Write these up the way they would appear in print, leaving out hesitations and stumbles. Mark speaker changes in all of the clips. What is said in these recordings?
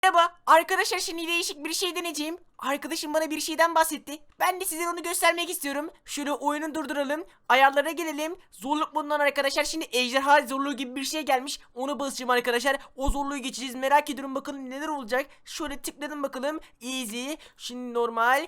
Speaker 1: Merhaba arkadaşlar, şimdi değişik bir şey deneyeceğim. Arkadaşım bana bir şeyden bahsetti. Ben de size onu göstermek istiyorum. Şöyle oyunu durduralım. Ayarlara gelelim. Zorluk bundan arkadaşlar. Şimdi ejderha zorluğu gibi bir şey gelmiş. Onu basacağım arkadaşlar. O zorluğu geçeceğiz. Merak ediyorum bakalım neler olacak. Şöyle tıkladım bakalım. Easy. Şimdi normal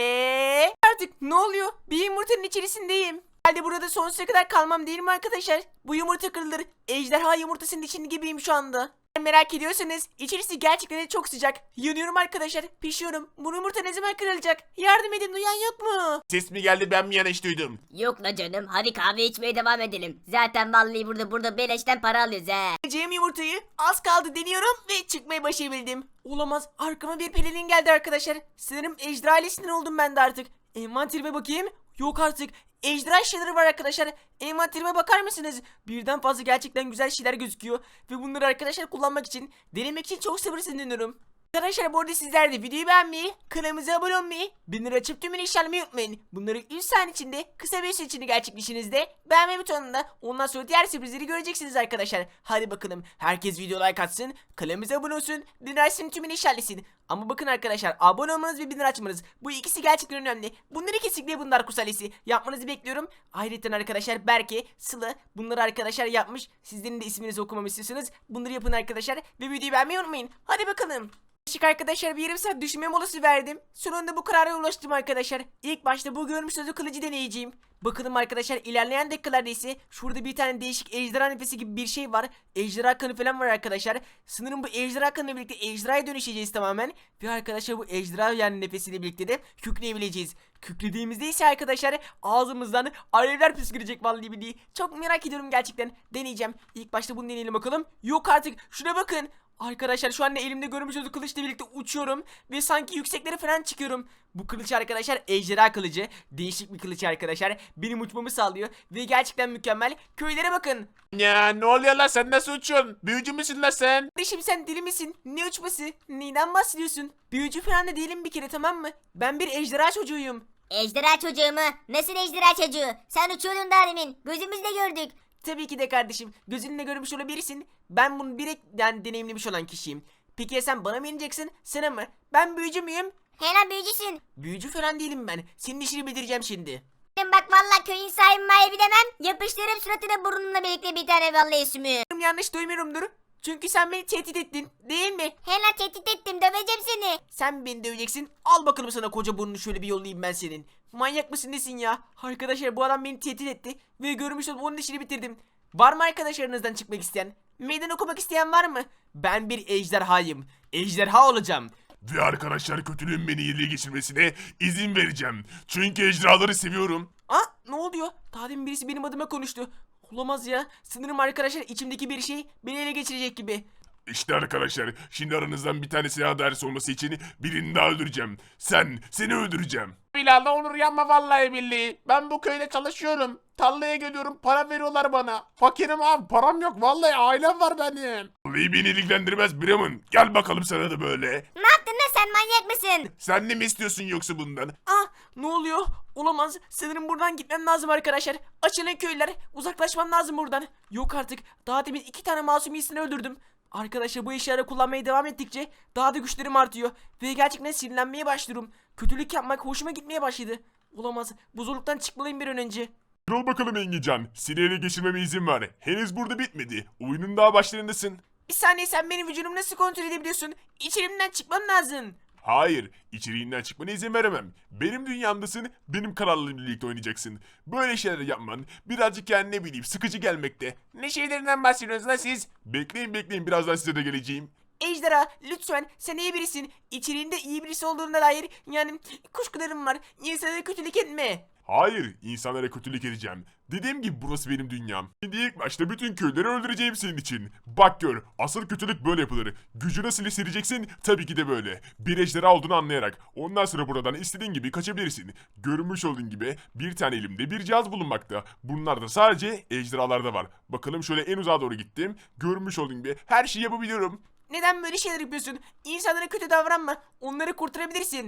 Speaker 1: ve artık ne oluyor? Bir yumurtanın içerisindeyim. Herhalde burada sonsuza kadar kalmam değil mi arkadaşlar? Bu yumurta kırılır. Ejderha yumurtasının içinde gibiyim şu anda. Merak ediyorsanız içerisi gerçekten de çok sıcak. Yanıyorum arkadaşlar. Pişiyorum. Bu yumurta ne zaman kırılacak? Yardım edin, duyan yok mu?
Speaker 2: Ses mi geldi, ben mi yanlış duydum?
Speaker 3: Yok la canım, hadi kahve içmeye devam edelim. Zaten vallahi burada beleşten para alıyoruz he.
Speaker 1: Yiyeceğim yumurtayı az kaldı deniyorum ve çıkmayı başarabildim. Olamaz, arkama bir pelerin geldi arkadaşlar. Sanırım ejderha ailesinden oldum ben de artık. Envanterime bakayım. Yok artık. Ejderha şeyleri var arkadaşlar. Envanterime bakar mısınız? Birden fazla gerçekten güzel şeyler gözüküyor. Ve bunları arkadaşlar kullanmak için, denemek için çok sabırsızlanıyorum. Arkadaşlar bu arada sizler de videoyu beğenmeyi, kanalımıza abone olmayı, bildirimleri açıp tümünü işaretlemeyi unutmayın. Bunları 3 saniye içinde, kısa bir süre içinde gerçekleştiğinizde beğenme butonunda, ondan sonra diğer sürprizleri göreceksiniz arkadaşlar. Hadi bakalım, herkes video like atsın, kanalımıza abone olsun, bildirimlerin tümünü işaretlesin. Ama bakın arkadaşlar, abone olmanız ve bildirim açmanız, bu ikisi gerçekten önemli. Bunları kesinlikle bunlar kusalesi yapmanızı bekliyorum. Ayrıca arkadaşlar Berke, Sıla bunları arkadaşlar yapmış. Sizlerin de isminizi okumamı istiyorsanız bunları yapın arkadaşlar ve videoyu beğenmeyi unutmayın. Hadi bakalım. Arkadaşlar bir yarım saat düşünme molası verdim. Sonunda bu karara ulaştım arkadaşlar. İlk başta bu görmüş sözü kılıcı deneyeceğim. Bakalım arkadaşlar, ilerleyen dakikalarda ise şurada bir tane değişik ejderha nefesi gibi bir şey var. Ejderha kanı falan var arkadaşlar. Sanırım bu ejderha kanıyla birlikte ejderhaya dönüşeceğiz tamamen. Ve arkadaşlar bu ejderha yani nefesiyle birlikte de kükreyebileceğiz. Kükrediğimizde ise arkadaşlar ağzımızdan alevler püskürecek vallahi billahi. Çok merak ediyorum gerçekten. Deneyeceğim. İlk başta bunu deneyelim bakalım. Yok artık, şuna bakın. Arkadaşlar şu anda elimde görmüş olduğunuz kılıçla birlikte uçuyorum ve sanki yükseklere falan çıkıyorum. Bu kılıç arkadaşlar ejderha kılıcı. Değişik bir kılıç arkadaşlar. Benim uçmamı sağlıyor ve gerçekten mükemmel. Köylere bakın.
Speaker 2: Ya ne oluyor lan, sen nasıl uçuyorsun? Büyücü müsün lan sen?
Speaker 1: Kardeşim sen deli misin? Ne uçması? Neyden bahsediyorsun? Büyücü falan da değilim bir kere, tamam mı? Ben bir ejderha çocuğuyum.
Speaker 3: Ejderha çocuğu mu? Nasıl ejderha çocuğu? Sen uçuyordun daha demin. Gözümüzle gördük.
Speaker 1: Tabii ki de kardeşim. Gözünle görmüş olabilirsin. Ben bunu yani deneyimlemiş olan kişiyim. Peki ya sen bana mı ineceksin? Sana mı? Ben büyücü müyüm?
Speaker 3: Hemen büyücüsün.
Speaker 1: Büyücü falan değilim ben. Senin işini bildireceğim şimdi.
Speaker 3: Bak vallahi köyün sahibi mahibi demem. Yapıştırırım suratına burnunla birlikte bir tane vallahi sümüğü.
Speaker 1: Yanlış duymuyorumdur. Çünkü sen beni tehdit ettin, değil mi?
Speaker 3: Hemen tehdit ettim, döveceğim seni.
Speaker 1: Sen beni döveceksin. Al bakalım sana koca burnunu, şöyle bir yollayayım ben senin. Manyak mısın nesin ya? Arkadaşlar bu adam beni tehdit etti. Ve görmüş olup onun işini bitirdim. Var mı arkadaşlarınızdan çıkmak isteyen? Meydan okumak isteyen var mı? Ben bir ejderhayım. Ejderha olacağım.
Speaker 2: Ve arkadaşlar, kötülüğün beni ele geçirmesine izin vereceğim. Çünkü ejderhaları seviyorum.
Speaker 1: Ne oluyor? Daha demin birisi benim adıma konuştu. Olamaz ya. Sanırım arkadaşlar içimdeki bir şey beni ele geçirecek gibi.
Speaker 2: İşte arkadaşlar, şimdi aranızdan bir tanesine adalet olması için birini daha öldüreceğim. Seni öldüreceğim. Bilal, ne olur yanma vallahi billahi. Ben bu köyde çalışıyorum. Tarlaya geliyorum, para veriyorlar bana. Fakirim abi, param yok vallahi, ailem var benim. Vallahi beni ilgilendirmez Bremen. Gel bakalım sana da böyle.
Speaker 3: Ne yaptın lan, sen manyak mısın?
Speaker 2: Sen ne mi istiyorsun yoksa bundan?
Speaker 1: Ne oluyor? Olamaz. Sanırım buradan gitmem lazım arkadaşlar. Açılın köylüler. Uzaklaşmam lazım buradan. Yok artık. Daha demin 2 tane masum iyisini öldürdüm. Arkadaşlar bu eşyaları kullanmaya devam ettikçe daha da güçlerim artıyor. Ve gerçekten sinirlenmeye başlıyorum. Kötülük yapmak hoşuma gitmeye başladı. Olamaz. Bu zorluktan çıkmalıyım bir an önce.
Speaker 2: Dur bakalım Engican. Seni ele geçirmeme izin ver. Henüz burada bitmedi. Oyunun daha başlarındasın.
Speaker 1: Bir saniye, sen benim vücudumu nasıl kontrol edebiliyorsun? İçerimden çıkmam lazım.
Speaker 2: Hayır, içeriğinden çıkmana izin veremem. Benim dünyamdasın, benim kararlarımla birlikte oynayacaksın. Böyle şeyler yapman birazcık yani ne bileyim sıkıcı gelmekte. Ne şeylerinden bahsediyorsunuz lan siz? Bekleyin, birazdan size de geleceğim.
Speaker 1: Ejderha lütfen, sen iyi birisin. İçeriğinde iyi birisi olduğuna dair yani kuşkularım var. İnsanlara kötülük etme.
Speaker 2: Hayır, insanlara kötülük edeceğim. Dediğim gibi burası benim dünyam. Şimdi ilk başta bütün köyleri öldüreceğim senin için. Bak gör, asıl kötülük böyle yapılır. Gücü nasıl hissedeceksin? Tabii ki de böyle. Bir ejderha olduğunu anlayarak. Ondan sonra buradan istediğin gibi kaçabilirsin. Görmüş olduğun gibi bir tane elimde bir cihaz bulunmakta. Bunlar da sadece ejderhalarda var. Bakalım şöyle en uzağa doğru gittim. Görmüş olduğun gibi her şeyi yapabiliyorum.
Speaker 1: Neden böyle şeyler yapıyorsun? İnsanlara kötü davranma. Onları kurtarabilirsin.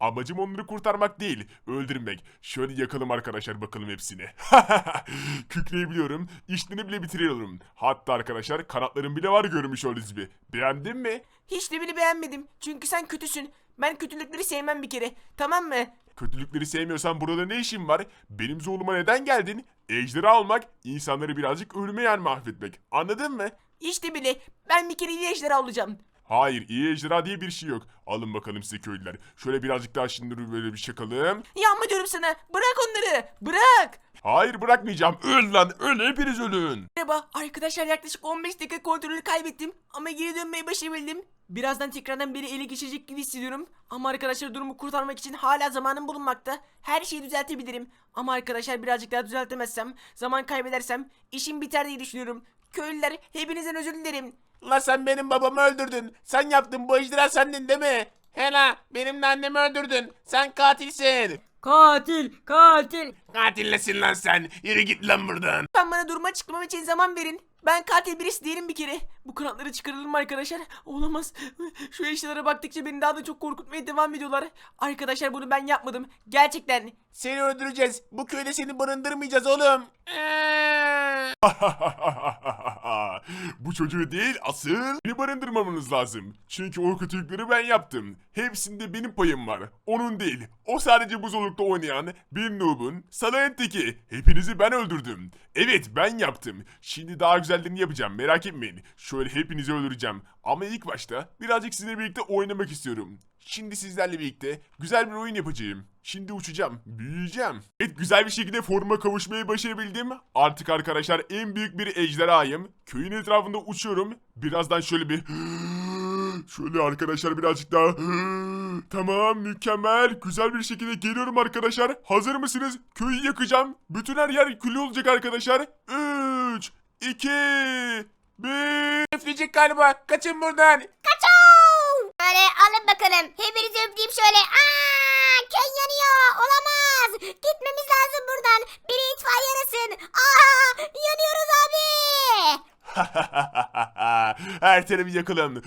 Speaker 2: Amacım onları kurtarmak değil, öldürmek. Şöyle yakalım arkadaşlar bakalım hepsini. Kükreyebiliyorum, işlerini bile bitiriyorum. Hatta arkadaşlar kanatlarım bile var görmüş olduğunuz gibi. Beğendin mi?
Speaker 1: Hiç de bile beğenmedim. Çünkü sen kötüsün. Ben kötülükleri sevmem bir kere. Tamam mı?
Speaker 2: Kötülükleri sevmiyorsan burada ne işin var? Benim zorluma neden geldin? Ejderi almak, insanları birazcık ölüme yer mahvetmek. Anladın mı?
Speaker 1: İşte bile. Ben bir kere iyi ejderha olacağım.
Speaker 2: Hayır, iyi ejderha diye bir şey yok. Alın bakalım size köylüler. Şöyle birazcık daha şimdi böyle bir çakalım.
Speaker 1: Yapma diyorum sana. Bırak onları. Bırak.
Speaker 2: Hayır bırakmayacağım. Öl lan, öl hepiniz ölün.
Speaker 1: Merhaba arkadaşlar, yaklaşık 15 dakika kontrolü kaybettim ama geri dönmeyi başarabildim. Birazdan tekrardan beni ele geçirecek gibi hissediyorum. Ama arkadaşlar durumu kurtarmak için hala zamanım bulunmakta. Her şeyi düzeltebilirim. Ama arkadaşlar birazcık daha düzeltemezsem, zaman kaybedersem işim biter diye düşünüyorum. Köylüler, hepinizden özür dilerim.
Speaker 4: La sen benim babamı öldürdün. Sen yaptın, bu ejderha sendin değil mi? Hela benim de annemi öldürdün. Sen katilsin.
Speaker 1: Katil, katil.
Speaker 4: Katillesin lan sen. Yürü git lan buradan.
Speaker 1: Ben bana duruma açıklamam için zaman verin. Ben katil birisi değilim bir kere. Bu kanatları çıkaralım mı arkadaşlar? Olamaz. Şu eşyalara baktıkça beni daha da çok korkutmaya devam ediyorlar. Arkadaşlar bunu ben yapmadım. Gerçekten.
Speaker 4: Seni öldüreceğiz. Bu köyde seni barındırmayacağız oğlum.
Speaker 2: Bu çocuğu değil asıl beni barındırmamanız lazım. Çünkü o kötülükleri ben yaptım. Hepsinde benim payım var. Onun değil. O sadece buzdolukta oynayan bir noob'un salağın teki. Hepinizi ben öldürdüm. Evet ben yaptım. Şimdi daha güzellerini yapacağım, merak etmeyin. Şöyle hepinizi öldüreceğim. Ama ilk başta birazcık sizinle birlikte oynamak istiyorum. Şimdi sizlerle birlikte güzel bir oyun yapacağım. Şimdi uçacağım, büyüyeceğim. Evet güzel bir şekilde formuma kavuşmayı başarabildim. Artık arkadaşlar en büyük bir ejderhayım. Köyün etrafında uçuyorum. Birazdan şöyle bir... Şöyle arkadaşlar birazcık daha... Tamam mükemmel. Güzel bir şekilde geliyorum arkadaşlar. Hazır mısınız? Köyü yakacağım. Bütün her yer kül olacak arkadaşlar. 3, 2, 1...
Speaker 4: Üfleyecek galiba. Kaçın buradan.
Speaker 3: Kaçoo! Böyle alın bakalım. Hepinizi öpeyim şöyle. Aa, köy yanıyor. Olamaz. Gitmemiz lazım buradan. Biri itfaiye arasın. Aa, yanıyoruz abi.
Speaker 2: Her tarafı yakalım.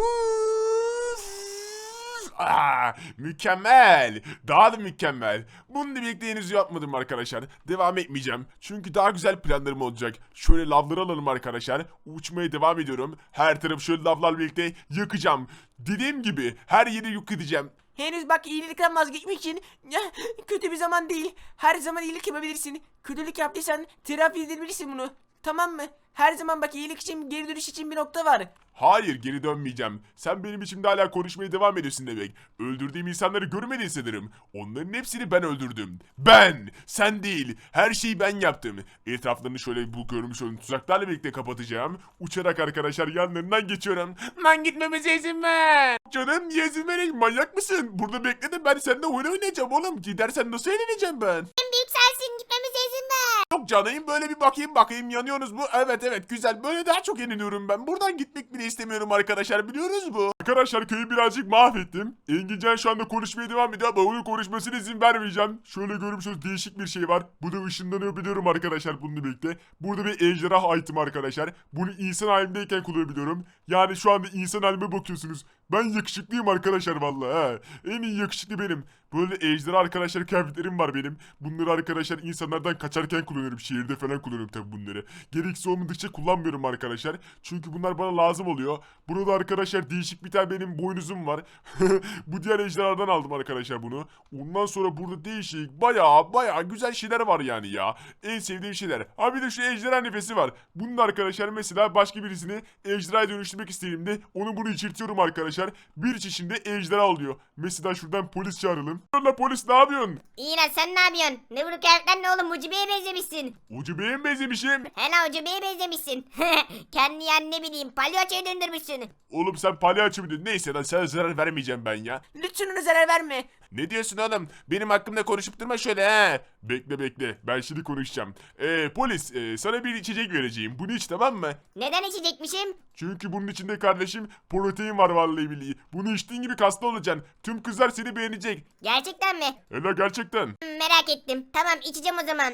Speaker 2: Mükemmel. Daha da mükemmel. Bununla birlikte henüz yapmadım arkadaşlar. Devam etmeyeceğim. Çünkü daha güzel planlarım olacak. Şöyle lavları alalım arkadaşlar. Uçmaya devam ediyorum. Her tarafı şöyle lavlarla birlikte yakacağım. Dediğim gibi her yeri yok edeceğim.
Speaker 1: Henüz bak iyilikten vazgeçmek için kötü bir zaman değil. Her zaman iyilik yapabilirsin. Kötülük yaptıysan telafi edebilirsin bunu. Tamam mı? Her zaman bak iyilik için, geri dönüş için bir nokta var.
Speaker 2: Hayır geri dönmeyeceğim. Sen benim içimde hala konuşmaya devam ediyorsun demek. Öldürdüğüm insanları görmedin sanırım. Onların hepsini ben öldürdüm. Ben! Sen değil. Her şeyi ben yaptım. Etraflarını şöyle bu görmüş olduğum tuzaklarla birlikte kapatacağım. Uçarak arkadaşlar yanlarından geçiyorum.
Speaker 4: Lan gitmemize izin ver.
Speaker 2: Canım niye izin vereyim? Manyak mısın? Burada bekledim, ben seninle oyun oynayacağım oğlum. Gidersen nasıl eğleneceğim ben?
Speaker 3: En büyük sensin. Gitmemize izin ver.
Speaker 2: Yok canım böyle bir bakayım yanıyorsunuz mu? Evet güzel, böyle daha çok yeniliyorum ben. Buradan gitmek bile istemiyorum arkadaşlar, biliyoruz bu. Arkadaşlar köyü birazcık mahvettim. Engincan şu anda konuşmaya devam ediyor ama onun konuşmasına izin vermeyeceğim. Şöyle görmüşsünüz değişik bir şey var. Bu da ışınlanıyor biliyorum arkadaşlar bununla birlikte. Burada bir ejderha item arkadaşlar. Bunu insan halimdeyken kullanabiliyorum. Yani şu anda insan halime bakıyorsunuz. Ben yakışıklıyım arkadaşlar vallahi ha. En iyi yakışıklı benim. Böyle ejderha arkadaşlar kıyafetlerim var benim. Bunları arkadaşlar insanlardan kaçarken kullanıyorum. Şehirde falan kullanıyorum tabi bunları. Gereksiz olmadıkça kullanmıyorum arkadaşlar. Çünkü bunlar bana lazım oluyor. Burada arkadaşlar değişik bir tane benim boynuzum var. Bu diğer ejderhadan aldım arkadaşlar bunu. Ondan sonra burada değişik baya güzel şeyler var yani ya. En sevdiğim şeyler. Ha bir de şu ejderha nefesi var. Bunun arkadaşlar mesela başka birisini ejderhaya dönüştürmek istediğimde onu bunu içirtiyorum arkadaşlar. Bir çeşinde ejderha oluyor. Mesela şuradan polis çağıralım. La polis ne yapıyorsun?
Speaker 3: İyi lan sen ne yapıyorsun? Ne bu kıyafetler ne oğlum? Ucube'ye benzemişsin.
Speaker 2: Ucubeye mi benzemişim?
Speaker 3: Hele ucubeye benzemişsin. Kendi yani ne bileyim palyaçoya döndürmüşsün.
Speaker 2: Oğlum sen palyaço muydun? Neyse lan sana zarar vermeyeceğim ben ya.
Speaker 1: Lütfen ona zarar verme.
Speaker 4: Ne diyorsun oğlum? Benim hakkımda konuşup durma şöyle he.
Speaker 2: Bekle ben şimdi konuşacağım. Polis sana bir içecek vereceğim. Bunu iç tamam mı?
Speaker 3: Neden içecekmişim?
Speaker 2: Çünkü bunun içinde kardeşim protein var vallahi billahi. Bunu içtiğin gibi kaslı olacaksın. Tüm kızlar seni beğenecek.
Speaker 3: Gerçekten mi?
Speaker 2: Ela gerçekten.
Speaker 3: Merak ettim. Tamam içeceğim o zaman.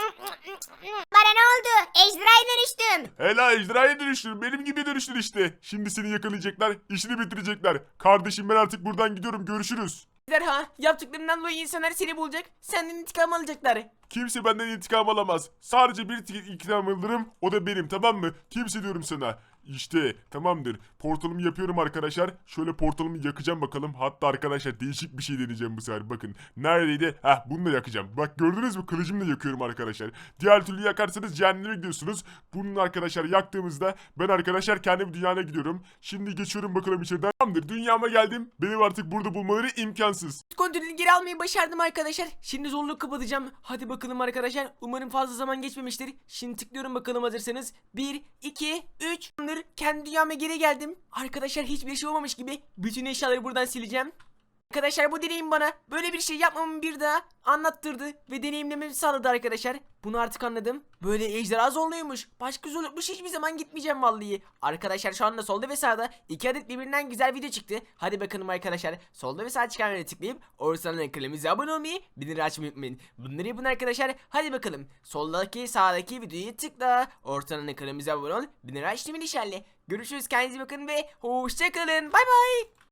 Speaker 3: Bana ne oldu? Ejderhaya dönüştüm.
Speaker 2: Ela ejderhaya dönüştün. Benim gibi dönüştün işte. Şimdi seni yakalayacaklar. İşini bitirecekler. Kardeşim ben artık buradan gidiyorum. Görüşürüz.
Speaker 1: Ejderha, yaptıklarından dolayı insanlar seni bulacak. Senden intikam alacaklar.
Speaker 2: Kimse benden intikam alamaz. Sadece bir intikam alırım, o da benim, tamam mı? Kimse diyorum sana. İşte tamamdır. Portalımı yapıyorum arkadaşlar. Şöyle portalımı yakacağım bakalım. Hatta arkadaşlar değişik bir şey deneyeceğim bu sefer. Bakın. Neredeydi? Heh, bunu da yakacağım. Bak gördünüz mü? Kılıcımla yakıyorum arkadaşlar. Diğer türlü yakarsanız cehenneme gidiyorsunuz. Bunu arkadaşlar yaktığımızda ben arkadaşlar kendi dünyana gidiyorum. Şimdi geçiyorum bakalım içeriden. Tamamdır. Dünyama geldim. Benim artık burada bulmaları imkansız.
Speaker 1: Kontrolünü geri almayı başardım arkadaşlar. Şimdi zorluğu kapatacağım. Hadi bakalım arkadaşlar. Umarım fazla zaman geçmemiştir. Şimdi tıklıyorum bakalım hazırsanız. 1, 2, 3. Kendi dünyama geri geldim. Arkadaşlar hiçbir şey olmamış gibi bütün eşyaları buradan sileceğim. Arkadaşlar bu deneyim bana böyle bir şey yapmamı bir daha anlattırdı ve deneyimlememi sağladı arkadaşlar. Bunu artık anladım. Böyle ejderha zorluymuş. Başka zorlukmuş, hiçbir zaman gitmeyeceğim vallahi. Arkadaşlar şu anda solda ve sağda 2 adet birbirinden güzel video çıktı. Hadi bakalım arkadaşlar. Solda ve sağ çıkan videoya tıklayıp oradan kanalımıza abone olmayı, bildirim açmayı unutmayın. Bunları yapın arkadaşlar. Hadi bakalım. Soldaki sağdaki videoyu tıkla. Ortadan kanalımıza abone ol. Bildirim açmayı işaretle. Görüşürüz, kendinize bakın ve hoşçakalın. Bay bay.